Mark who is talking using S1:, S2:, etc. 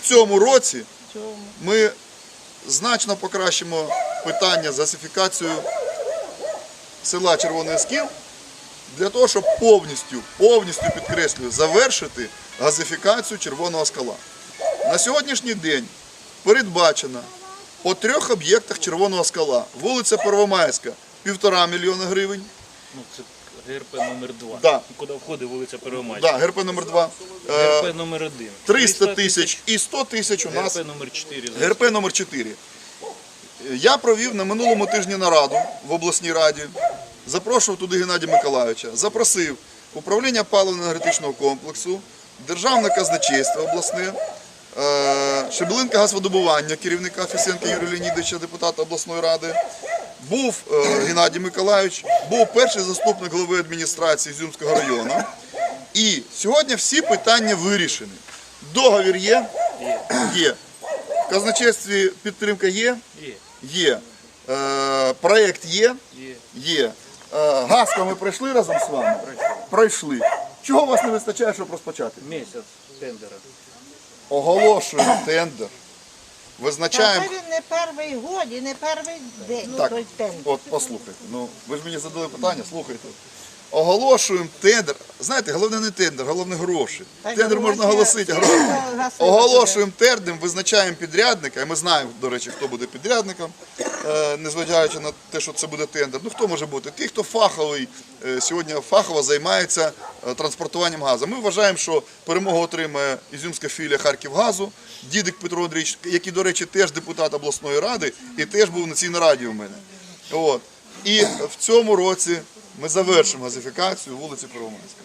S1: цьому році ми значно покращимо питання з газифікацією села Червоний Оскіл для того, щоб повністю підкреслюю, завершити газифікацію Червоного Оскала. На сьогоднішній день передбачено по 3 об'єктах Червоного Оскала. Вулиця Первомайська – 1,5 мільйона гривень.
S2: Ну, це ГРП номер 2.
S1: Да.
S2: Куди входить вулиця Первомайська.
S1: Да, ГРП номер 2.
S2: ГРП номер 1.
S1: 300 тисяч і 100 тисяч у нас.
S2: ГРП номер 4.
S1: ГРП номер 4. Я провів на минулому тижні нараду в обласній раді, запрошував туди Геннадія Миколайовича, запросив управління паливно-енергетичного комплексу, Державне казначейство обласне, Шебелинка газводобування, керівника Фісенка Юрія Леонідовича, депутата обласної ради, був Геннадій Миколайович, був перший заступник голови адміністрації Ізюмського району. І сьогодні всі питання вирішені. Договір є? Є. В казначействі підтримка є? Є. Проєкт є? Є. Газко ми пройшли разом з вами? Пройшли. Чого у вас не вистачає, щоб розпочати?
S2: Місяць тендера.
S1: Оголошуємо тендер. Визначаємо.
S3: Та він не перший год і не перший день.
S1: Так,
S3: той тендер.
S1: от послухайте. Ну, ви ж мені задали питання, слухайте. Оголошуємо тендер. Знаєте, головне не тендер, головне гроші.
S3: Так,
S1: Тендер можна оголосити, а гроші.
S3: гасити
S1: Оголошуємо тендер, визначаємо підрядника, і ми знаємо, до речі, хто буде підрядником, незважаючи на те, що це буде тендер. Ну, хто може бути? Ті, хто фаховий, сьогодні фахово займається транспортуванням газу. Ми вважаємо, що перемогу отримає ізюмська філія Харківгазу, Дідик Петро Андрійович, який, до речі, теж депутат обласної ради і теж був на цій нараді у мене. От. І в цьому році ми завершимо газифікацію вулиці Первомайська.